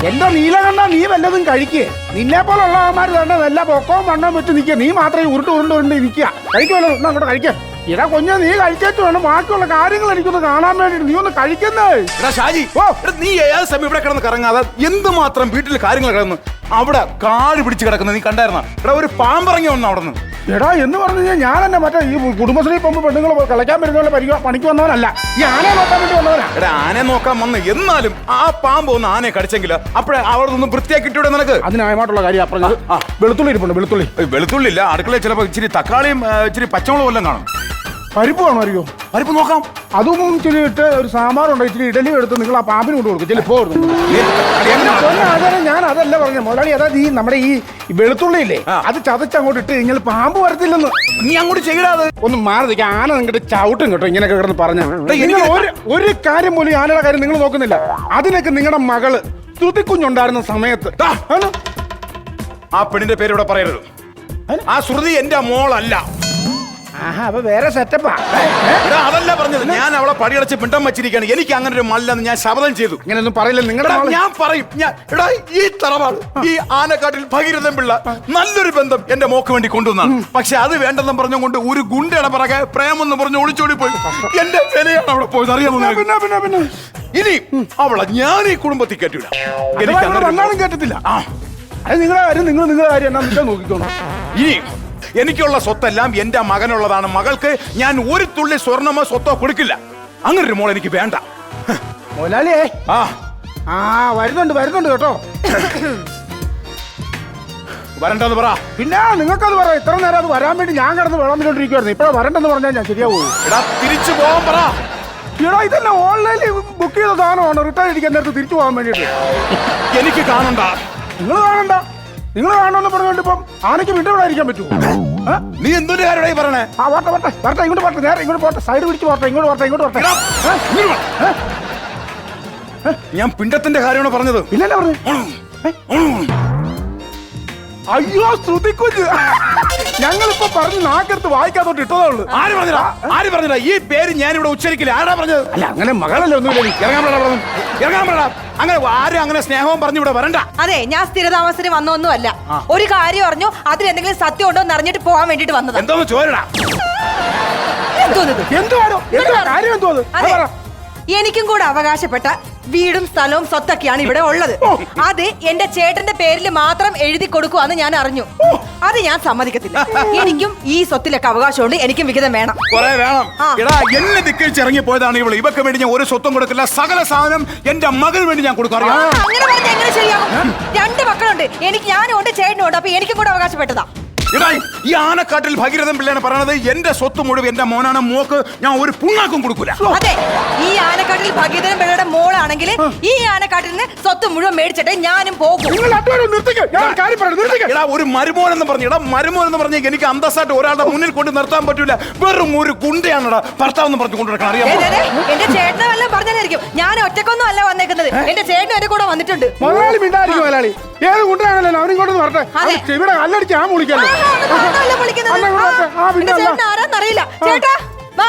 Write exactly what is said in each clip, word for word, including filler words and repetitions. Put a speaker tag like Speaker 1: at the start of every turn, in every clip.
Speaker 1: എന്റെ നീലകണ്ഠ നീ വല്ലതും കഴിക്കേ. നിന്നെ പോലുള്ളവന്മാർ തന്നെ നല്ല പൊക്കവും വണ്ണവും വെച്ച് നിൽക്കുക. നീ മാത്രമേ ഉരുട്ട് ഉരുണ്ട് ഉരുണ്ട് നിൽക്കുക. കഴിക്കുമല്ലോ, എന്നാ അങ്ങോട്ട് കഴിക്കേ. ഇടാ കുഞ്ഞ നീ കഴിച്ചു വേണം ബാക്കിയുള്ള കാര്യങ്ങൾ എനിക്കൊന്ന് കാണാൻ വേണ്ടിട്ട് നീ ഒന്ന് കഴിക്കുന്നേ.
Speaker 2: ഷാജി, ഓ നീ ഏത് സമയം ഇവിടെ കിടന്ന് കറങ്ങാതെ എന്തുമാത്രം വീട്ടിൽ കാര്യങ്ങൾ കിടന്ന് അവിടെ കാട് പിടിച്ച് കിടക്കുന്നത് നീ കണ്ടായിരുന്ന? എടാ ഒരു പാമ്പിറങ്ങി വന്നു അവിടെ നിന്ന്.
Speaker 1: എടാ എന്ന് പറഞ്ഞു കഴിഞ്ഞാൽ ഞാൻ തന്നെ മറ്റേ ഈ കുടുംബശ്രീ പോകുമ്പോൾ പെണ്ണുങ്ങൾ കളിക്കാൻ വരുന്ന പരിപാടി പണിക്ക് വന്നവനല്ല, ഈ ആനയെ നോക്കാൻ വേണ്ടി വന്നവനാ.
Speaker 2: എടാ ആനയെ നോക്കാൻ വന്ന് എന്നാലും ആ പാമ്പ് ഒന്ന് ആനയെ കടിച്ചെങ്കിൽ അപ്പഴേ അവിടെ നിന്ന് വൃത്തിയാക്കിട്ടൂടെ നിനക്ക്?
Speaker 1: അതിനായമായിട്ടുള്ള കാര്യം പറഞ്ഞത്. വെളുത്തുള്ളി ഇരിപ്പുണ്ട്, വെളുത്തുള്ളി.
Speaker 2: വെളുത്തുള്ളി ഇല്ല, അടുക്കളയിൽ ചിലപ്പോൾ ഇച്ചിരി തക്കാളിയും ഇച്ചിരി പച്ചമുളകും എല്ലാം കാണും.
Speaker 1: പരിപ്പ് വേണോ? അറിയോ
Speaker 2: പരിപ്പ് നോക്കാം.
Speaker 1: അതും ഇച്ചിരി ഇട്ട് ഒരു സാമ്പാറുണ്ട്, ഇച്ചിരി ഇഡലി എടുത്ത് നിങ്ങൾ ആ പാമ്പിന് കൊണ്ട് കൊടുക്കും. ചിലപ്പോ ഞാൻ അതല്ല പറഞ്ഞത് മുതലാളി. അതായത് ഈ നമ്മുടെ ഈ വെളുത്തുള്ളിയില്ലേ അത് ചതച്ചങ്ങോട്ട് ഇട്ട് കഴിഞ്ഞാൽ പാമ്പ് വരത്തില്ലെന്ന്.
Speaker 2: നീ അങ്ങോട്ട് ചെയ്യടാത്.
Speaker 1: ഒന്ന് മാറി നിൽക്കുക. ആന നിങ്ങട്ട് ചവിട്ടും കേട്ടോ ഇങ്ങനെയൊക്കെ കിടന്ന് പറഞ്ഞ. ഒരു ഒരു കാര്യം പോലും ആനയുടെ കാര്യം നിങ്ങൾ നോക്കുന്നില്ല. അതിനൊക്കെ നിങ്ങളുടെ മകള് ശ്രുതിക്കുഞ്ഞുണ്ടായിരുന്ന സമയത്ത്
Speaker 2: ആ പെണ്ണിന്റെ പേര് ഇവിടെ പറയരുത്. ആ ശ്രുതി എന്റെ മോളല്ല.
Speaker 1: ആഹാ, അപ്പൊ വേറെ സെറ്റപ്പാ.
Speaker 2: അതല്ല പറഞ്ഞത്. ഞാൻ അവളെ പടിയടച്ച് പിണ്ടം വെച്ചിരിക്കുകയാണ്. എനിക്ക് അങ്ങനെ ഒരു മല്ലെന്ന് ഞാൻ ശപഥം ചെയ്തു.
Speaker 1: ഇങ്ങനെയൊന്നും പറയില്ല നിങ്ങളുടെ.
Speaker 2: ഞാൻ പറയും. ഞാൻ എടാ ഈ തറവാട് ഈ ആനക്കാട്ടിൽ ഭഗീരഥൻ പിള്ള നല്ലൊരു ബന്ധം എന്റെ മോക്ക് വേണ്ടി കൊണ്ടുവന്നാണ്. പക്ഷെ അത് വേണ്ടെന്നും പറഞ്ഞുകൊണ്ട് ഒരു ഗുണ്ടയുടെ പിറകെ പ്രേമെന്ന് പറഞ്ഞ് ഒളിച്ചോടി പോയി. എന്റെ വിലയാണ് അവിടെ പോയത്, അറിയാമോ?
Speaker 1: പിന്നെ പിന്നെ പിന്നെ
Speaker 2: ഇനി അവളെ ഞാൻ ഈ കുടുംബത്തിൽ കേട്ടില്ല. എനിക്ക്
Speaker 1: അങ്ങനെ കേട്ടത്തില്ല. ആ അത് നിങ്ങളുടെ കാര്യം നിങ്ങൾ നിങ്ങളുടെ കാര്യം എന്നാ നോക്കിക്കോണം.
Speaker 2: ഇനി എനിക്കുള്ള സ്വത്തെല്ലാം എന്റെ മകനുള്ളതാണ്. മകൾക്ക് ഞാൻ ഒരു തുള്ളി സ്വർണ്ണമോ സ്വത്തോ കൊടുക്കില്ല. അങ്ങനെ ഒരു മോൾ എനിക്ക് വേണ്ട.
Speaker 1: മോലാലിയേ,
Speaker 2: ആ
Speaker 1: ആ വരുന്നുണ്ട് വരുന്നുണ്ട് കേട്ടോ.
Speaker 2: വരണ്ടെന്ന് പറ.
Speaker 1: പിന്നെ നിങ്ങൾക്കത് പറയാം. ഇത്ര നേരം അത് വരാൻ വേണ്ടി ഞാൻ കിടന്ന് വെള്ളം വിട്ടോണ്ടിരിക്കുവായിരുന്നു. ഇപ്പഴാ വരണ്ടെന്ന് പറഞ്ഞാൽ ഞാൻ ശരിയാവൂ.
Speaker 2: എടാ തിരിച്ചു പോകാൻ പറ.
Speaker 1: എടാ ഇതന്നെ ഓൺലൈനിൽ ബുക്ക് ചെയ്ത സാധനമാണ്. റിട്ടേൺ അടിക്കാൻ നേരത്ത് തിരിച്ചു പോകാൻ വേണ്ടിട്ട്
Speaker 2: എനിക്ക് കാണണ്ട.
Speaker 1: നിങ്ങൾ കാണണ്ട. നിങ്ങൾ കാണണമെന്ന് പറഞ്ഞുകൊണ്ട് ഇപ്പം ആനയ്ക്ക് വീണ്ടും ഇവിടെ ഇരിക്കാൻ പറ്റുമോ?
Speaker 2: നീ എന്തൊരു കാര്യമായി പറഞ്ഞേ?
Speaker 1: ആ വട്ടെ വട്ടെ വരട്ടെ, ഇങ്ങോട്ട് പോട്ടെ, നേരെ ഇങ്ങോട്ട് പോട്ടെ, സൈഡ് പിടിച്ച് പോട്ടെ, ഇങ്ങോട്ട് പോട്ടെ, ഇങ്ങോട്ട് പോട്ടെ.
Speaker 2: ഞാൻ പിണ്ടത്തിന്റെ കാര്യമാണ് പറഞ്ഞത്.
Speaker 1: ഇല്ലല്ലേ പറഞ്ഞു? അയ്യോ ശ്രുതിക്കുഞ്ഞ്, ഞങ്ങളിപ്പോ പറഞ്ഞ് നാക്കെടുത്ത് വായിക്കാത്തോട്ട് ഇട്ടതേ ഉള്ളൂ.
Speaker 2: ആര് പറഞ്ഞില്ല? ആര് പറഞ്ഞില്ല? ഈ പേര് ഞാൻ ഇവിടെ ഉച്ചരിക്കില്ല. ആരാ പറഞ്ഞത്?
Speaker 1: അല്ല അങ്ങനെ മകളല്ലേ ഒന്നുമില്ല.
Speaker 2: ഇറങ്ങാൻ പാടാ പറഞ്ഞു. ഇറങ്ങാൻ പാടാ. അങ്ങനെ ആരും അങ്ങനെ സ്നേഹവും പറഞ്ഞു ഇവിടെ വരണ്ട.
Speaker 3: അതെ, ഞാൻ സ്ഥിരതാമസത്തിന് വന്നൊന്നും അല്ല. ഒരു കാര്യം അറിഞ്ഞു, അതിൽ എന്തെങ്കിലും സത്യം ഉണ്ടോ എന്ന് അറിഞ്ഞിട്ട് പോകാൻ വേണ്ടിട്ട് വന്നത്.
Speaker 2: എന്തോന്ന് ചോരടാ.
Speaker 1: എന്തുവാണോ കാര്യം? എന്തോ
Speaker 3: എനിക്കും കൂടെ അവകാശപ്പെട്ട വീടും സ്ഥലവും സ്വത്തൊക്കെയാണ് ഇവിടെ ഉള്ളത്. അത് എന്റെ ചേട്ടന്റെ പേരിൽ മാത്രം എഴുതി കൊടുക്കുവാന്ന് ഞാൻ അറിഞ്ഞു. അത് ഞാൻ സമ്മതിക്കത്തില്ല. എനിക്കും ഈ സ്വത്തിലൊക്കെ അവകാശമുണ്ട്. എനിക്കും വിഹിതം വേണം.
Speaker 2: കുറെ വേണം. എടാ എന്നെ ദിക്കിച്ച് ഇറങ്ങി പോയതാണ് ഇവള്. ഇവക്ക് വേണ്ടി ഞാൻ ഒരു സ്വത്തും കൊടുക്കില്ല. സകല സാധനം എന്റെ മകന് വേണ്ടി ഞാൻ കൊടുക്കും.
Speaker 3: അങ്ങനെ പറഞ്ഞാൽ എങ്ങനെ ശരിയാകും? രണ്ട് മക്കളുണ്ട് എനിക്ക്. ഞാനും ഉണ്ട്, ചേട്ടനും ഉണ്ട്. അപ്പൊ എനിക്കും കൂടെ അവകാശപ്പെട്ടതാ.
Speaker 2: എടാ ഈ ആനക്കാട്ടിൽ ഭഗീരഥൻ പിള്ളയാണ് പറയണത്. എന്റെ സ്വത്ത് മുഴുവൻ എന്റെ മോനാണ്. മോക്ക് ഞാൻ ഒരു പുണ്ണാക്കും കൊടുക്കൂല.
Speaker 3: അതെ, ഈ ആനക്കാട്ടിൽ ഭഗീരഥൻ പിള്ളയുടെ മോളാണെങ്കിൽ ഈ ആനക്കാട്ടിൽ നിന്ന് സ്വത്ത് മുഴുവൻ മേടിച്ചിട്ട് ഞാനും പോകും.
Speaker 2: എടാ ഒരു മരുമോൻ എന്ന് പറഞ്ഞു. എടാ മരുമോൻ എന്ന് പറഞ്ഞാൽ എനിക്ക് അന്തസ്സായിട്ട് ഒരാളുടെ മുന്നിൽ കൊണ്ട് നിർത്താൻ പറ്റൂല. വെറും ഒരു ഗുണ്ടയാണടാ ഭർത്താവ് എന്ന് പറഞ്ഞു കൊണ്ടുനടക്കണം. അറിയാം,
Speaker 3: എന്റെ ചേട്ടനെ വല്ലതും പറഞ്ഞായിരിക്കും. ഞാൻ ഒറ്റക്കൊന്നും അല്ല വന്നേക്കുന്നത്. എന്റെ ചേട്ടനും എന്റെ കൂടെ വന്നിട്ടുണ്ട്.
Speaker 1: മലയാളി മിണ്ടായിരിക്കും. മലയാളി ഏത് കൊണ്ടാണല്ലോ അവനിങ്ങോട്ട് വരട്ടെ. ഇവിടെ കല്ലടിച്ച് ആ മുളിക്കല്ലോ.
Speaker 3: ആരാന്നറിയില്ല. ചേട്ടാ വാ.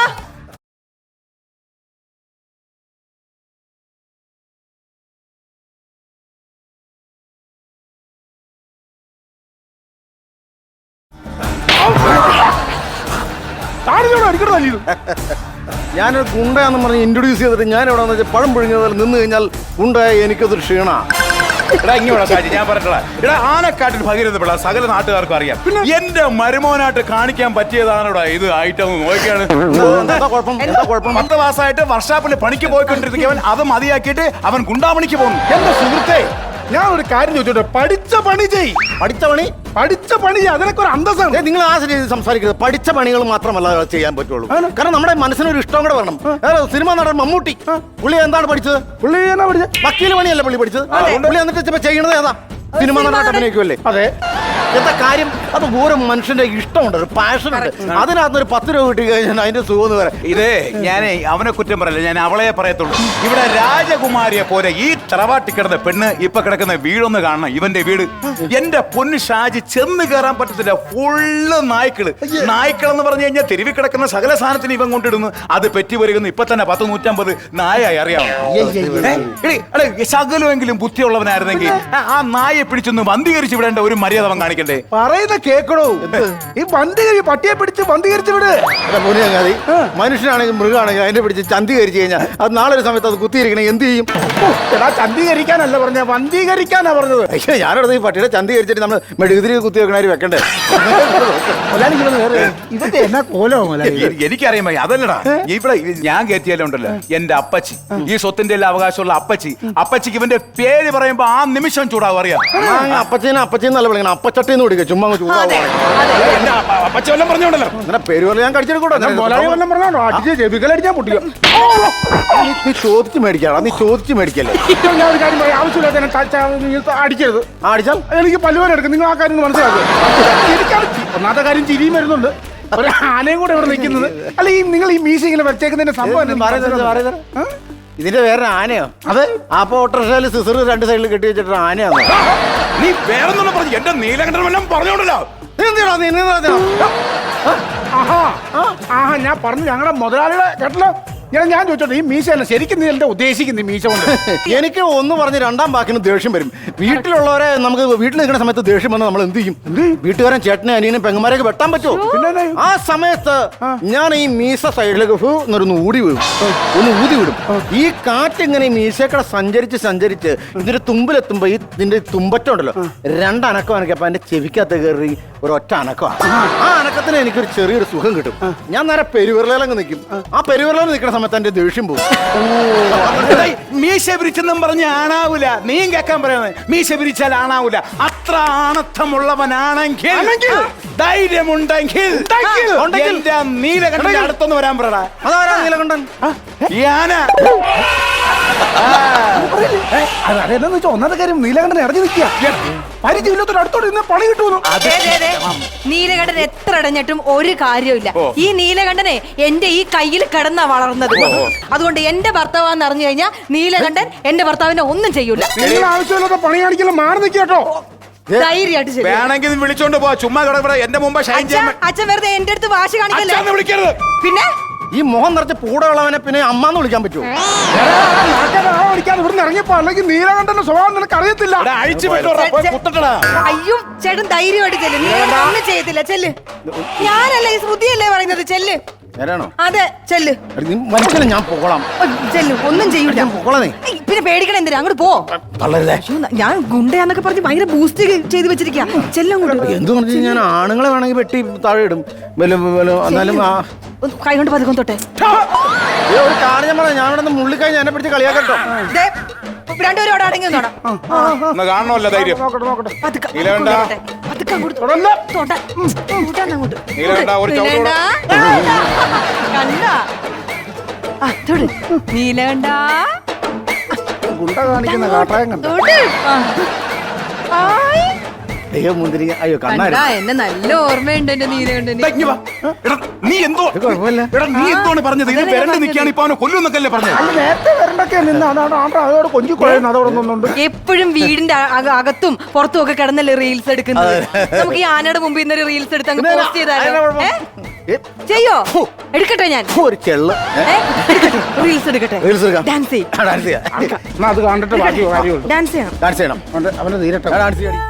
Speaker 4: ഞാനൊരു ഗുണ്ടയാന്ന് പറഞ്ഞ് ഇൻട്രൊഡ്യൂസ് ചെയ്തിട്ട് ഞാൻ എവിടെ വെച്ചാൽ പഴം പുഴുങ്ങിയതിൽ നിന്ന് കഴിഞ്ഞാൽ ഗുണ്ടയായ എനിക്കതൊരു ക്ഷീണ.
Speaker 2: എടാ ഇങ്ങനെ ഷാജി ഞാൻ പറഞ്ഞിട്ടുള്ള എടാ ആനക്കാട്ടിൽ ഭഗീരഥ പിള്ള സകല നാട്ടുകാർക്കും അറിയാം. എന്റെ മരുമോനായിട്ട് കാണിക്കാൻ പറ്റിയതാണ് ഇവിടെ ഇത് ഐറ്റം നോക്കിയാണ്. പത്ത് മാസമായിട്ട് വർഷാപ്പിൽ പണിക്ക് പോയിക്കൊണ്ടിരിക്കുന്നവൻ അത് മതിയാക്കിയിട്ട് അവൻ ഗുണ്ടാമണിക്ക് പോകുന്നു.
Speaker 1: എന്റെ സുഹൃത്തെ, ഞാൻ ഒരു കാര്യം ചോദിച്ചോട്ടെ. പഠിച്ച പണി ചെയ്.
Speaker 4: പഠിച്ച പണി
Speaker 1: പഠിച്ച പണി അതിനൊക്കെ ഒരു അന്തസ്സാണ്.
Speaker 4: നിങ്ങൾ ആ രീതിയിൽ സംസാരിക്കുന്നത്. പഠിച്ച പണികൾ മാത്രമല്ല ചെയ്യാൻ പറ്റുള്ളൂ. കാരണം നമ്മുടെ മനസ്സിനൊരു ഇഷ്ടം കൂടെ വേണം. സിനിമ നടൻ മമ്മൂട്ടി പുള്ളി എന്താണ് പഠിച്ചത്?
Speaker 1: പുള്ളി എന്നാ പഠിച്ചത്?
Speaker 4: വക്കീൽ പണിയല്ല പുള്ളി പഠിച്ചത്. പുള്ളി എന്നിട്ട് ചെയ്യണത് ഏതാ? സിനിമ നടനായിട്ട് അഭിനയിക്കുമല്ലേ?
Speaker 1: അതെ.
Speaker 4: എന്താ കാര്യം? അത് ഓരോ മനുഷ്യന്റെ ഇഷ്ടമുണ്ട്, ഒരു പാഷൻ ഉണ്ട്. അതിനകത്ത് ഒരു പത്ത് രൂപ കിട്ടി കഴിഞ്ഞാൽ അതിന്റെ സുഖം എന്ന് പറയാം.
Speaker 2: ഇതേ ഞാനേ അവനെ കുറ്റം പറയല്ല, ഞാൻ അവളെ പറയത്തുള്ളൂ. ഇവിടെ രാജകുമാരിയെ പോലെ ഈ തറവാട്ടി കിടന്ന പെണ്ണ് ഇപ്പൊ കിടക്കുന്ന വീടൊന്ന് കാണണം. ഇവന്റെ വീട് എന്റെ പൊന്ന് ഷാജി, ചെന്ന് കയറാൻ പറ്റത്തില്ല. ഫുള്ള് നായ്ക്കള്. നായ്ക്കൾ എന്ന് പറഞ്ഞു കഴിഞ്ഞാൽ തെരുവിൽ കിടക്കുന്ന സകല സാധനത്തിന് ഇവൻ കൊണ്ടിടുന്നു. അത് പെറ്റി വരുന്നു. ഇപ്പൊ തന്നെ പത്ത് നൂറ്റമ്പത് നായായി അറിയാമോ? ശകലമെങ്കിലും ബുദ്ധിയുള്ളവനായിരുന്നെങ്കിൽ ആ നായെ പിടിച്ചൊന്ന് വന്ധീകരിച്ച് വിടേണ്ട ഒരു മര്യാദ അവൻ കാണിക്കണ്ടേ?
Speaker 1: പറയുന്ന കേക്കടോ, ഈ വന്ധീകരി പട്ടിയെ പിടിച്ച് വന്ധീകരിച്ച് വിട്.
Speaker 4: മുനിയങ്ങാതി മനുഷ്യനാണെങ്കിൽ മൃഗമാണെങ്കിൽ അതിനെ പിടിച്ച് ചന്തീകരിച്ച് കഴിഞ്ഞാൽ അത് നാളെ ഒരു സമയത്ത് അത് കുത്തിയിരിക്കണേ എന്ത് ചെയ്യും?
Speaker 1: എടാ ചന്തീകരിക്കാനല്ല പറഞ്ഞ, വന്ധീകരിക്കാനാ പറഞ്ഞത്.
Speaker 4: പക്ഷേ ഞാനവിടെ ഈ പട്ടിയുടെ ചന്തീകരിച്ചിട്ട് നമ്മൾ മെഴുകുതിരി കുത്തി വെക്കണാര് വെക്കണ്ടേ?
Speaker 1: ഇതൊക്കെ എന്നാ കോലോ?
Speaker 2: എ- എനിക്കറിയാൻ വയ്യ. അതല്ലടാ, ഇവിടെ ഞാൻ കയറ്റിയാലും ഉണ്ടല്ലോ എന്റെ അപ്പച്ചി, ഈ സ്വത്തിന്റെ എല്ലാം അവകാശമുള്ള അപ്പച്ചി. അപ്പച്ചിക്ക് ഇവന്റെ പേര് പറയുമ്പോ ആ നിമിഷം ചൂടാവും. അറിയാം,
Speaker 4: അപ്പച്ചീനെ അപ്പച്ചീന്നല്ല വിളിക്കണം, അപ്പച്ചട്ടിന്ന് വിളിക്കുക. ചുമ്മാ ചൂടാവും.
Speaker 2: എന്റെ അപ്പ- അപ്പച്ചി വല്ലതും പറഞ്ഞോണ്ടല്ലോ.
Speaker 4: അങ്ങനെ പേര് പോലെ ഞാൻ കടിച്ചെടുക്കൂടാ.
Speaker 1: മുതലാളി വല്ലതും പറഞ്ഞോ, അടിച്ച് ചെവികളടിച്ചാൽ പൊട്ടിക്കും.
Speaker 4: നീ ചോദിച്ച് മേടിക്കാടാ, നീ ചോദിച്ച് മേടിക്കല്ലേ.
Speaker 1: ഞാൻ ഒരു കാര്യം പറയാം, ആവശ്യമില്ലാത്ത എന്നെ ടച്ച് ആ- നീ അടിക്കരുത്.
Speaker 4: ആ, അടിച്ചാൽ
Speaker 1: എനിക്ക് പല്ലുവേന എടുക്കും. നിങ്ങൾ ആ കാര്യം മനസ്സിലാക്കുക. എനിക്കാണ് ഒന്നാമത്തെ കാര്യം ചിരിയും വരുന്നുണ്ട്. ഒരു ആനയും കൂടെ ഇവിടെ നിൽക്കുന്നത്. അല്ല, ഈ നിങ്ങൾ ഈ മീശ ഇങ്ങനെ വെച്ചേക്കുന്നതിന്റെ സംഭവം എന്താ? ആ?
Speaker 4: ഇതിന്റെ വേറെ ആനയോ? അതെ, അപ്പൊ ഓട്ടോറിക്ഷയിൽ സിസർ രണ്ട് സൈഡിൽ കെട്ടി വെച്ചിട്ട് ആനയാണോ?
Speaker 2: നീ വേറൊന്നും പറഞ്ഞു എന്റെ നീലകണ്ഠൻ വല്ലതും പറഞ്ഞോണ്ടല്ലോ.
Speaker 1: ആഹാ ആഹാ ഞാൻ പറഞ്ഞു ഞങ്ങളുടെ മുതലാളിയുടെ കേട്ടല്ലോ. ഞാൻ ഞാൻ ചോദിച്ചോട്ടെ, ഈ മീശ അല്ല ശരിക്കും നീ എന്താ ഉദ്ദേശിക്കുന്നത്? ഈ മീശ കൊണ്ട്
Speaker 4: എനിക്ക് ഒന്ന് പറഞ്ഞ് രണ്ടാം വാക്കിന് ദേഷ്യം വരും. വീട്ടിലുള്ളവരെ നമുക്ക് വീട്ടിൽ നിൽക്കുന്ന സമയത്ത് ദേഷ്യം വന്നാൽ നമ്മൾ എന്ത് ചെയ്യും? വീട്ടുകാരൻ ചേട്ടനെ അനിയനും പെങ്ങന്മാരെയൊക്കെ വെട്ടാൻ പറ്റുമോ?
Speaker 1: പിന്നെ
Speaker 4: ആ സമയത്ത് ഞാൻ ഈ മീശ സൈഡിലേക്ക് ഫു എന്നൊരു ഊടി വീഴും, ഒന്ന് ഊതി വിടും. ഈ കാറ്റ് ഇങ്ങനെ ഈ മീശക്കടെ സഞ്ചരിച്ച് സഞ്ചരിച്ച് ഇതിന്റെ തുമ്പിലെത്തുമ്പോ ഈ ഇതിന്റെ തുമ്പറ്റുണ്ടല്ലോ രണ്ടനക്കം അനക്കപ്പോ എന്റെ ചെവിക്കകത്ത് കയറി ഒരു ഒറ്റ അനക്കമാണ്. ആ അനക്കത്തിന് എനിക്കൊരു ചെറിയൊരു സുഖം കിട്ടും. ഞാൻ നേരെ പെരുവിരലങ്ങ് നിൽക്കും. ആ പെരുവിരലിൽ നിൽക്കുന്ന സമയത്ത് എന്റെ ദേഷ്യം പോകും.
Speaker 2: മീശ പിരിച്ചെന്നും പറഞ്ഞ് ആണാവൂല. നീയും കേൾക്കാൻ പറയുന്നത് മീശ പിരിച്ചാൽ ആണാവൂല. അത്ര ആണത്തമുള്ളവനാണെങ്കിൽ, ധൈര്യമുണ്ടെങ്കിൽ എന്റെ നീലകണ്ഠന്റെ അടുത്തൊന്ന് വരാൻ പറയടാ.
Speaker 4: അതാരാ നീലകണ്ഠൻ?
Speaker 2: ഈ ആന
Speaker 1: അതെന്താന്ന് വെച്ചാൽ ഒന്നാമത്തെ കാര്യം നീലകണ്ഠൻ ഇറങ്ങി നിൽക്കുക. പരിചയമില്ലാത്തൊരു അടുത്തോട്ട് ഇന്ന് പണി കിട്ടുമെന്നു.
Speaker 3: ദേ, ദേ, ദേ. നീലകണ്ഠൻ എത്ര അടഞ്ഞിട്ടും ഒരു കാര്യമില്ല. ഈ നീലകണ്ഠനെ എന്റെ ഈ കയ്യിൽ കിടന്നാ വളർന്നത്. അതുകൊണ്ട് എന്റെ ഭർത്താവാന്ന് അറിഞ്ഞു കഴിഞ്ഞാൽ നീലകണ്ഠൻ എന്റെ ഭർത്താവിനെ ഒന്നും ചെയ്യൂല.
Speaker 1: നിങ്ങൾ ആവശ്യമില്ലാത്ത പണി കാണിക്കല, മാറി നിൽക്കുക കേട്ടോ.
Speaker 3: ധൈര്യമായിട്ട് ശരി.
Speaker 2: വേണമെങ്കിൽ നീ വിളിച്ചോണ്ട് പോ. ചുമ്മാ കിടക്കട എന്റെ മുമ്പ് ഷൈൻ
Speaker 3: അച്ഛാ,
Speaker 2: ചെയ്യാൻ
Speaker 3: അച്ഛൻ വെറുതെ എന്റെ അടുത്ത് വാശി കാണിക്കല്ലേ.
Speaker 2: അച്ഛാന്ന് വിളിക്കരുത്.
Speaker 3: പിന്നെ
Speaker 4: ഈ മുഖം നിറച്ച് പൂടയുള്ളവനെ പിന്നെ അമ്മാന്ന് വിളിക്കാൻ പറ്റുമോ?
Speaker 1: അടിക്കാതെ ഇവിടുന്ന് ഇറങ്ങിയപ്പോ അല്ലെങ്കിൽ നീലകണ്ഠന്റെ സ്വഭാവം നിനക്ക് അറിയത്തില്ല.
Speaker 2: എടാ, അഴിച്ചു വിട്ടോടാ, പോയി കുത്തട്ടടാ.
Speaker 3: അയ്യോ ചേട്ടൻ ധൈര്യമായിട്ട് ചെല്ല്. നീലകണ്ഠൻ ഒന്നും ചെയ്യത്തില്ല. ചെല്ല്. ഞാനല്ല ഈ ശ്രുതിയല്ലേ പറയുന്നത്. ചെല്ല്.
Speaker 4: നേരാണോ?
Speaker 3: അതെ ചെല്ല്.
Speaker 4: നീ മനുഷ്യനെ ഞാൻ പോകണം.
Speaker 3: ചെല്ലു. ഒന്നും ചെയ്യൂല.
Speaker 4: ഞാൻ പോകളേ.
Speaker 3: ഏയ്, പിന്നെ പേടിക്കണം എന്തിനാ? അങ്ങോട്ട് പോ.
Speaker 4: തള്ളരുതേ.
Speaker 3: അയ്യോ, ഞാൻ ഗുണ്ടയാന്നൊക്കെ പറഞ്ഞ് ഭയങ്കര ബൂസ്റ്റ് ചെയ്ത് വെച്ചിരിക്കാ. ചെല്ലങ്ങോട്ട്.
Speaker 4: എന്ത് പറഞ്ഞു ഞാൻ ആണുങ്ങളെ വേണമെങ്കിൽ വെട്ടി താഴെ ഇടും. വല്ല- വല്ല- എന്നാലും ആ
Speaker 3: കൈ കൊണ്ട് പതുക്കം തൊട്ടെ.
Speaker 4: ഏ, ഒരു കാര്യം ഞാൻ പറയാം. ഞാൻ ഇവിടെ നിന്ന് മുള്ളിക്കഴിഞ്ഞ് എന്നെ പിടിച്ച് കളിയാക്കട്ടോ.
Speaker 3: ദേ, രണ്ടുപേരും അവിടെ അടങ്ങി നിന്നോടാ.
Speaker 2: ഒന്ന് കാണണമല്ലോ ധൈര്യം.
Speaker 1: നോക്കട്ടെ നോക്കട്ടെ.
Speaker 3: പതുക്കെ.
Speaker 2: നീലകണ്ഠ.
Speaker 3: തൊട്ടെ. പതുക്കെ അങ്ങോട്ട്
Speaker 1: തുടല്ല.
Speaker 3: തൊട്ടെ. ഉം, തൊട്ടാന്ന് അങ്ങോട്ട്.
Speaker 2: നീലകണ്ഠ, ഒരു ചവിട്ട്
Speaker 3: നീലകണ്ഠ. കണ്ടാ? ആ, തൊട്. നീലകണ്ഠ.
Speaker 1: ഗുണ്ട കാണിക്കുന്ന കാട്ടായം കണ്ടു.
Speaker 3: തൊട്. ആ. ആയ്.
Speaker 4: അയ്യോ മുന്തിരി, അയ്യോ കണ്ണാരി.
Speaker 3: കണ്ടാ? എന്നെ നല്ല ഓർമ്മയുണ്ട് എന്റെ നീലകണ്ഠന്.
Speaker 2: ദാ, ഇങ്ങ് വാ. എടാ, നീ എന്തോ
Speaker 4: കുഴപ്പമില്ല.
Speaker 2: എടാ നീ എന്താണ് പറഞ്ഞത്? ഇത് വരണ്ട് നിൽക്കുകയാണ്, ഇപ്പൊ അവനെ കൊല്ലുന്നൊക്കെയല്ലേ പറഞ്ഞത്?
Speaker 1: അല്ല നേരത്തെ വരണ്ടൊക്കെ നിന്ന് അതാണ് ആണ്ടാ അതോടെ കൊഞ്ചി കുഴയുന്നു. അതോടെ ഒന്നുണ്ട്.
Speaker 3: എപ്പോഴും വീടിന്റെ അക- അകത്തും പുറത്തും ഒക്കെ കിടന്നല്ലേ റീൽസ് എടുക്കുന്നത്. നമുക്ക് ഈ ആനയുടെ മുമ്പിൽ നിന്ന് റീൽസ് എടുത്ത് അങ്ങ് പോസ്റ്റ് ചെയ്താലോ? ഏ?
Speaker 4: ഏ,
Speaker 3: ചെയ്യോ? എടുക്കട്ടെ ഞാൻ.
Speaker 4: ഒരു ചെള്ള്.
Speaker 3: റീൽസ് എടുക്കട്ടെ.
Speaker 4: റീൽസ് എടുക്കാം.
Speaker 3: ഡാൻസ് ചെയ്യും.
Speaker 4: ആ, ഡാൻസ് ചെയ്യാം.
Speaker 1: എന്നാ അത് കണ്ടിട്ട് ബാക്കി കാര്യമുള്ളൂ.
Speaker 3: ഡാൻസ് ചെയ്യണം.
Speaker 4: ഡാൻസ് ചെയ്യണം.
Speaker 1: അവന്റെ അവന്റെ തീരട്ടെ.
Speaker 4: ആ, ഡാൻസ് ചെയ്യണം.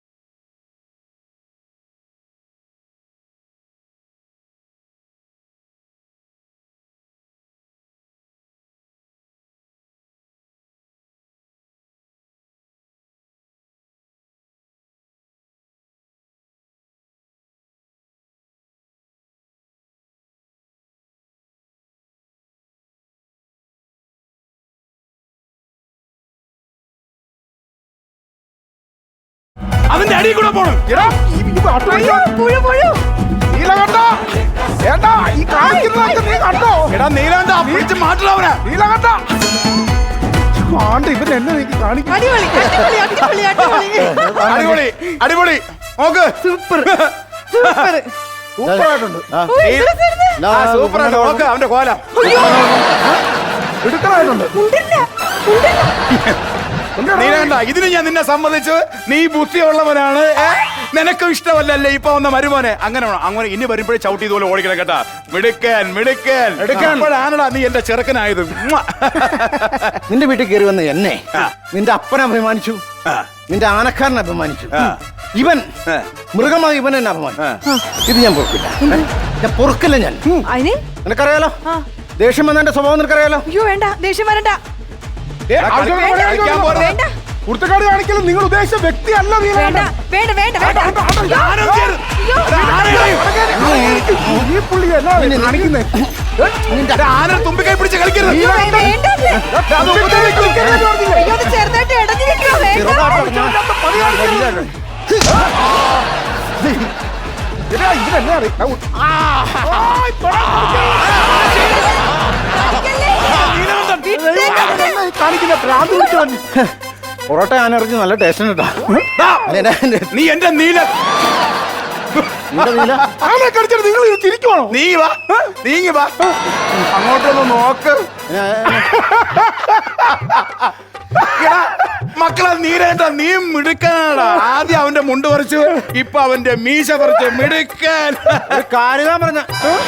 Speaker 2: അതിന്റെ അടിയിൽ കൂടെ പോണം.
Speaker 1: എടാ, ഈ- ഈ പാട്ട്
Speaker 3: അയ്യോ, പുഴു, പുഴു.
Speaker 1: നീലകണ്ഠ, ഏട്ടാ ഈ കാണിക്കുന്നതൊക്കെ നീ കണ്ടോ?
Speaker 2: എടാ നീലാണ്ട പിടിച്ച് മാറ്റണവനാ.
Speaker 1: നീലകണ്ഠ ആണ്ട് ഇവൻ എന്നെ നീ കാണിക്കും.
Speaker 3: അടിപൊളി, അടിപൊളി, അടിപൊളി, അടിപൊളി.
Speaker 2: അടിപൊളി അടിപൊളി. നോക്ക്
Speaker 3: സൂപ്പർ സൂപ്പർ
Speaker 1: സൂപ്പറായിട്ടുണ്ട്.
Speaker 4: ആ.
Speaker 3: ഓ, എന്തൊരു ചെറുത്.
Speaker 2: ആ സൂപ്പറായിട്ട് നോക്ക് അവന്റെ കോലം.
Speaker 1: എടുക്കാനായിട്ടുണ്ട്.
Speaker 3: ഉണ്ടില്ല, ഉണ്ടില്ല.
Speaker 2: നീ കണ്ട ഇതിന് ഞാൻ നിന്നെ സംബന്ധിച്ച് നീ ബുദ്ധിയുള്ളവനാണ്. ഏ? നിനക്കും ഇഷ്ടമല്ലല്ലേ ഇപ്പൊ വന്ന മരുമോനെ. അങ്ങനെ വേണം. അങ്ങനെ ഇനി വരുമ്പോഴേ ചവിട്ടി ഇതുപോലെ ഓടിക്കണം കേട്ടാ. മിടുക്കൻ മിടുക്കൻ അപ്പോഴാണടാ നീ എന്റെ ചെറുക്കനായത്. ഉമ്മാ.
Speaker 4: നിന്റെ വീട്ടിൽ കയറി വന്ന് എന്നെ
Speaker 2: ആ.
Speaker 4: നിന്റെ അപ്പനെ അഭിമാനിച്ചു,
Speaker 2: ആ.
Speaker 4: നിന്റെ ആനക്കാരനെ അഭിമാനിച്ചു.
Speaker 2: ആ.
Speaker 4: ഇവൻ
Speaker 2: ആ.
Speaker 4: മൃഗമായി ഇവൻ എന്നെ അപമാനിച്ചു.
Speaker 2: ആ.
Speaker 4: ഇത് ഞാൻ പൊറുക്കില്ല. ഞാൻ പൊറുക്കില്ല ഞാൻ.
Speaker 3: അതിന്
Speaker 4: നിനക്കറിയാലോ
Speaker 3: ആ.
Speaker 4: ദേഷ്യം വന്ന എന്റെ സ്വഭാവം നിനക്കറിയാലോ.
Speaker 3: അയ്യോ വേണ്ട, ദേഷ്യം വരണ്ട.
Speaker 1: ഏ, ആവശ്യമുള്ള പോലെ
Speaker 2: കളിക്കാൻ
Speaker 1: കാണിക്കണം.
Speaker 2: പോരുത്.
Speaker 3: വേണ്ട
Speaker 1: കുർത്തക്കാട് കാണിക്കലും നിങ്ങൾ ഉദ്ദേശിച്ച വ്യക്തിയല്ല നീ.
Speaker 3: വേണ്ട വേണ്ട വേണ്ട വേണ്ട.
Speaker 2: ആരും ചെയ്യരുത്.
Speaker 3: അയ്യോ.
Speaker 1: ഈ പുള്ളി എന്നാ കാണിക്കുന്നേ?
Speaker 2: ആന തുമ്പിക്കൈ പിടിച്ച് കളിക്കരുത്.
Speaker 3: അയ്യോ, വേണ്ട അത്. അയ്യോ, അത് ചെറുതായിട്ട് ഇടഞ്ഞിരിക്കോ. വേണ്ട.
Speaker 1: ഇതിനെന്നെ അറിയാം.
Speaker 3: വിട്ടേക്കത്.
Speaker 1: കാണിക്കുന്ന ഭ്രാന്ത് പിടിച്ചവൻ.
Speaker 4: പൊറോട്ട ആനറിഞ്ഞ് നല്ല ടേസ്റ്റ് ഉണ്ട്
Speaker 2: ദാ,
Speaker 4: കേട്ടോ.
Speaker 2: നീ എന്റെ നീല
Speaker 1: ആനെ കടിച്ചിട്ട് നിങ്ങൾ തിരിക്കുവാണോ?
Speaker 2: നീ വാ നീങ്ങി വാ അങ്ങോട്ടൊന്ന് നോക്ക്. എടാ, മക്കളെ നീരേണ്ട നീ മിടുക്കനാടാ. ആദ്യം അവന്റെ മുണ്ട് പറിച്ചു, ഇപ്പൊ അവന്റെ മീശ പറിച്ച് മിടുക്കൻ.
Speaker 4: കാര്യം പറഞ്ഞ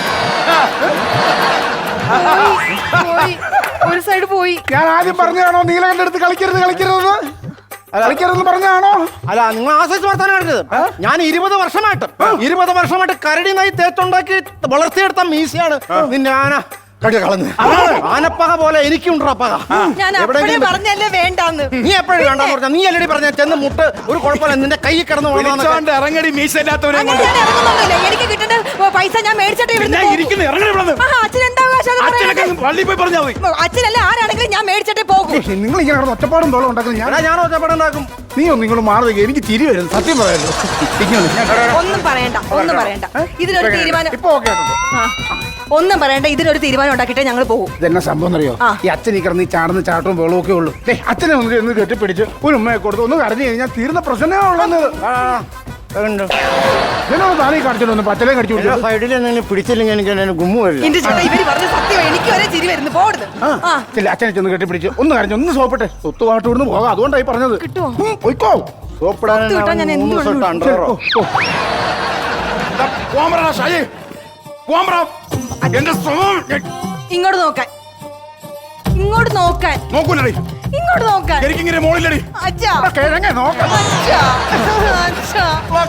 Speaker 3: പോയി. ഒരു സൈഡ് പോയി.
Speaker 1: ഞാൻ ആദ്യം പറഞ്ഞതാണോ നീലകണ്ഠ അടുത്ത് കളിക്കരുത് കളിക്കരുതെന്ന്? കളിക്കരുതെന്ന് പറഞ്ഞാണോ?
Speaker 4: അല്ല, നിങ്ങൾ ആശ്രയിച്ച് വർത്താനം കാണിച്ചത്. ഞാൻ ഇരുപത് വർഷമായിട്ട് ഇരുപത് വർഷമായിട്ട് കരടി നായി തേച്ചുണ്ടാക്കി വളർത്തിയെടുത്ത മീശയാണ് നിന്റെ ആന കടി കളഞ്ഞ്. ആനപ്പക പോലെ എനിക്കുണ്ടോ പക.
Speaker 3: ഞാൻ അപ്പഴേ
Speaker 4: എവിടെയെങ്കിലും
Speaker 3: പറഞ്ഞല്ലേ വേണ്ടാന്ന്.
Speaker 4: നീ എപ്പോഴും വേണ്ടെന്ന് പറഞ്ഞ നീ അല്ലടി പറഞ്ഞ ചെന്ന് മുട്ട് ഒരു കുഴപ്പമില്ല നിന്റെ കൈ കിടന്ന് വളർന്നതൊക്കെ.
Speaker 2: വിളിച്ചോണ്ട് ഇറങ്ങടി മീശ ഇല്ലാത്തവനെ
Speaker 3: അങ്ങനെ
Speaker 2: കൊണ്ട്.
Speaker 3: ഞാൻ ഇറങ്ങുന്നൊന്നുമില്ല. എനിക്ക് കിട്ടേണ്ട പൈസ ഞാൻ മേടിച്ചിട്ട് ഇവിടുന്ന്
Speaker 2: ഞാൻ
Speaker 3: പോകും.
Speaker 2: ഇരിക്കുന്നു, ഇറങ്ങടി ഇവിടുന്ന്.
Speaker 3: ആഹാ, അച്ഛൻ എന്താ അവകാശം അത്
Speaker 2: അച്ഛനൊക്കെ
Speaker 3: പറയാനായിട്ട്?
Speaker 2: പള്ളി പോയി പറഞ്ഞാ മതി.
Speaker 3: അച്ഛനല്ല ആരാണെങ്കിലും ഞാൻ മേടിച്ചിട്ടേ പോകും.
Speaker 1: നിങ്ങൾ ഇങ്ങനെ കിടന്ന് ഒറ്റപ്പാടും തോളം ഉണ്ടാക്കുന്നത് ഞാൻ.
Speaker 4: എടാ, ഞാൻ ഒറ്റപ്പെടാണ്ടാക്കും.
Speaker 1: നീ ഒന്ന് നിങ്ങൾ മാറുക. എനിക്ക് ചിരി വരുന്നു സത്യം പറയാലോ.
Speaker 3: ഒന്നും പറയണ്ട, ഒന്നും പറയണ്ട. ഇതിനൊരു തീരുമാനം.
Speaker 1: ഇപ്പൊ ഓക്കെ ആയിട്ടുണ്ട്.
Speaker 3: ആ, ഒന്നും പറയണ്ട. ഇതിനൊരു തീരുമാനം ഉണ്ടാക്കിയിട്ടേ ഞങ്ങൾ പോകും.
Speaker 1: ഇതെന്നാ സംഭവം അറിയോ?
Speaker 3: ആ.
Speaker 1: ഈ അച്ഛൻ ഈ കിടന്ന് ഈ ചാടുന്ന ചാട്ടവും വെള്ളവും ഒക്കെ ഉള്ളൂ. ദേ, അച്ഛനെ ഒന്ന് ഒന്ന് കെട്ടിപ്പിടിച്ച് ഒരു ഉമ്മയെ കൊടുത്ത് ഒന്ന് കരഞ്ഞു കഴിഞ്ഞാൽ തീർന്ന പ്രശ്നമേ ഉള്ളത്. ഇതിനോട് താനീ കാണിച്ചിട്ടൊന്ന് പച്ചലേ കടിച്ചു
Speaker 4: എല്ലാ
Speaker 1: കൊടുത്തു.
Speaker 4: സൈഡിൽ എന്തെങ്കിലും പിടിച്ചില്ലെങ്കിൽ എനിക്ക് എന്നെ ഗുമ്മു വരില്ല.
Speaker 3: എന്റെ ചേട്ടാ ഇവര് പറഞ്ഞ സത്യം. എനിക്ക് വരെ ചിരി വരുന്നു. പോടുന്നു. ആ,
Speaker 1: ചെല്ല അച്ഛനെ ചെന്ന് കെട്ടിപ്പിടിച്ച് ഒന്ന് കരഞ്ഞു ഒന്ന് സോപ്പിട്ടെ സ്വത്ത് പാട്ട് ഇവിടുന്ന് പോകാം. അതുകൊണ്ടായി പറഞ്ഞത്.
Speaker 3: കിട്ടുമോ?
Speaker 1: ഉം, പോയിക്കോ.
Speaker 3: കിട്ടാൻ ഞാൻ എന്ത്
Speaker 4: മൂന്ന് ദിവസം
Speaker 3: വേണം?
Speaker 4: അണ്ടറോ
Speaker 1: ഓ, ഓ.
Speaker 2: ദാ, പോവാൻ പറടാ ഷാജി. പോവാൻ പറ. എന്റെ സ്വഭാവം ഞാൻ
Speaker 3: ഇങ്ങോട്ട് നോക്കാൻ, ഇങ്ങോട്ട് നോക്കാൻ,
Speaker 2: നോക്കൂലടി.
Speaker 3: ഇങ്ങോട്ട് നോക്കാൻ.
Speaker 2: എനിക്കിങ്ങനെ മോളിലടി.
Speaker 3: അച്ഛാ,
Speaker 1: ഇവിടെ കിഴങ്ങേ നോക്കാം.
Speaker 3: അച്ഛാ, അച്ഛാ.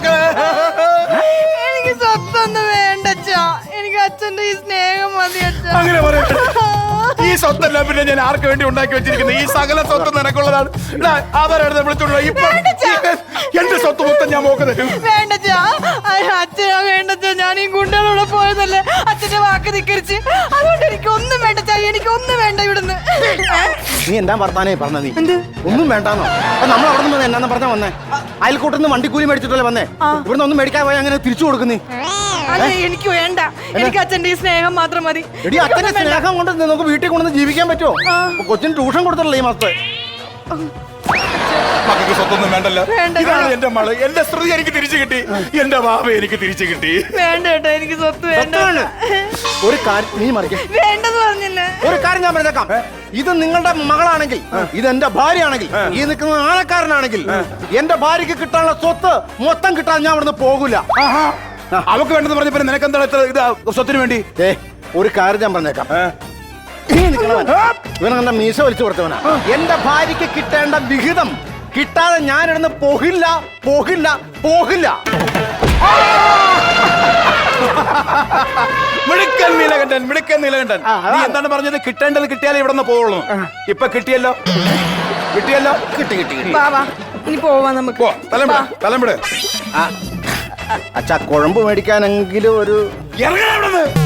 Speaker 3: എനിക്ക് സ്വത്തൊന്നും വേണ്ട അച്ഛാ. എനിക്ക് അച്ഛന്റെ ഈ സ്നേഹം മതി അച്ഛാ.
Speaker 2: അങ്ങനെ പറയട്ടെ. ഈ സ്വത്തല്ല പിന്നെ ഞാൻ ആർക്ക് വേണ്ടി ഉണ്ടാക്കി വെച്ചിരിക്കുന്നത്? ഈ സകല സ്വത്ത് നിനക്കുള്ളതാണ്. ഇതാ, അവരെടുത്ത് വിളിച്ചോണ്ട് വാ. ഇപ്പൊ ഈ- എന്റെ സ്വത്ത് മൊത്തം ഞാൻ നോക്കുന്നത്.
Speaker 3: വേണ്ടച്ചാ, അച്ഛനാ വേണ്ടച്ചാ. ഞാൻ ഈ ഗുണ്ടകളോടെ പോയതല്ലേ, അച്ഛന്റെ വാക്ക് ധിക്കരിച്ച്. അതുകൊണ്ട് എനിക്ക് ഒന്നും വേണ്ടച്ചാ. എനിക്ക് ഒന്നും വേണ്ട ഇവിടുന്ന്.
Speaker 4: നീ എന്താ വർത്താനേ പറഞ്ഞ നീ
Speaker 3: എന്ത്?
Speaker 4: ഒന്നും വേണ്ടാന്നോ? അപ്പൊ നമ്മൾ അവിടെ നിന്ന് എന്നാന്ന് പറഞ്ഞാ വന്നേ? അയൽക്കൂട്ടിൽ നിന്ന് വണ്ടിക്കൂലി മേടിച്ചിട്ടല്ലേ വന്നേ? ഇവിടുന്ന് ഒന്നും മേടിക്കാൻ പോയി അങ്ങനെ തിരിച്ചു കൊടുക്കുന്നേ?
Speaker 3: അല്ല, എനിക്ക് വേണ്ട. എനിക്ക് അച്ഛന്റെ ഈ സ്നേഹം മാത്രം മതി.
Speaker 4: എടി, അച്ഛന്റെ സ്നേഹം കൊണ്ട് നമുക്ക് വീട്ടിൽ കൊണ്ടുവന്ന് ജീവിക്കാൻ പറ്റുമോ? കൊച്ചിന് ട്യൂഷൻ കൊടുത്തല്ലേ ഈ മാസത്തെ?
Speaker 2: മക്കൾക്ക് സ്വത്തൊന്നും വേണ്ടല്ലോ.
Speaker 3: വേണ്ട.
Speaker 2: ഇതാണ് എന്റെ മകള്. എന്റെ സ്ത്രീ എനിക്ക് തിരിച്ചു കിട്ടി. എന്റെ ബാബ എനിക്ക് തിരിച്ചു കിട്ടി.
Speaker 3: വേണ്ട കേട്ടോ, എനിക്ക് സ്വത്ത് വേണ്ട.
Speaker 4: സത്യമാണ്. ഒരു കാര്യം നീ മറിക്ക.
Speaker 3: വേണ്ടെന്ന് പറഞ്ഞില്ലേ?
Speaker 4: ഒരു കാര്യം ഞാൻ പറഞ്ഞേക്കാം. ഇത് നിങ്ങളുടെ മകളാണെങ്കിൽ, ഇത് എന്റെ ഭാര്യയാണെങ്കിൽ, ഈ നിൽക്കുന്ന ആനക്കാരനാണെങ്കിൽ, എന്റെ ഭാര്യക്ക് കിട്ടാനുള്ള സ്വത്ത് മൊത്തം കിട്ടാൻ ഞാൻ ഇവിടുന്ന് പോകൂല.
Speaker 2: ആഹാ. അവക്ക് വേണ്ടെന്ന് പറഞ്ഞപ്പോ നിനക്ക് എന്താണ് ഇത്ര ഇത് സ്വത്തിന് വേണ്ടി?
Speaker 4: ഏ, ഒരു കാര്യം ഞാൻ പറഞ്ഞേക്കാം. ഈ നിൽക്കണവൻ ഇവൻ കണ്ട മീശ വലിച്ചു കൊടുത്തവനാ. എന്റെ ഭാര്യക്ക് കിട്ടേണ്ട വിഹിതം കിട്ടാതെ ഞാൻ ഇവിടുന്ന് പോകില്ല, പോകില്ല, പോകില്ല.
Speaker 2: മിടുക്കൻ നീലകണ്ഠൻ, മിടുക്കൻ നീലകണ്ഠൻ. നീ എന്താണ് പറഞ്ഞത്? കിട്ടേണ്ടത് കിട്ടിയാലേ ഇവിടെ നിന്ന് പോവുള്ളൂ. ഇപ്പൊ കിട്ടിയല്ലോ, കിട്ടിയല്ലോ.
Speaker 4: കിട്ടി കിട്ടി കിട്ടി.
Speaker 3: വാ, വാ. ഇനി പോവാ നമുക്ക്.
Speaker 2: പോ, തലമ്പിട്, തലമ്പിട്.
Speaker 4: അച്ഛാ, കുഴമ്പ് മേടിക്കാനെങ്കിലും ഒരു
Speaker 2: ഇറങ്ങണം ഇവിടെ നിന്ന്.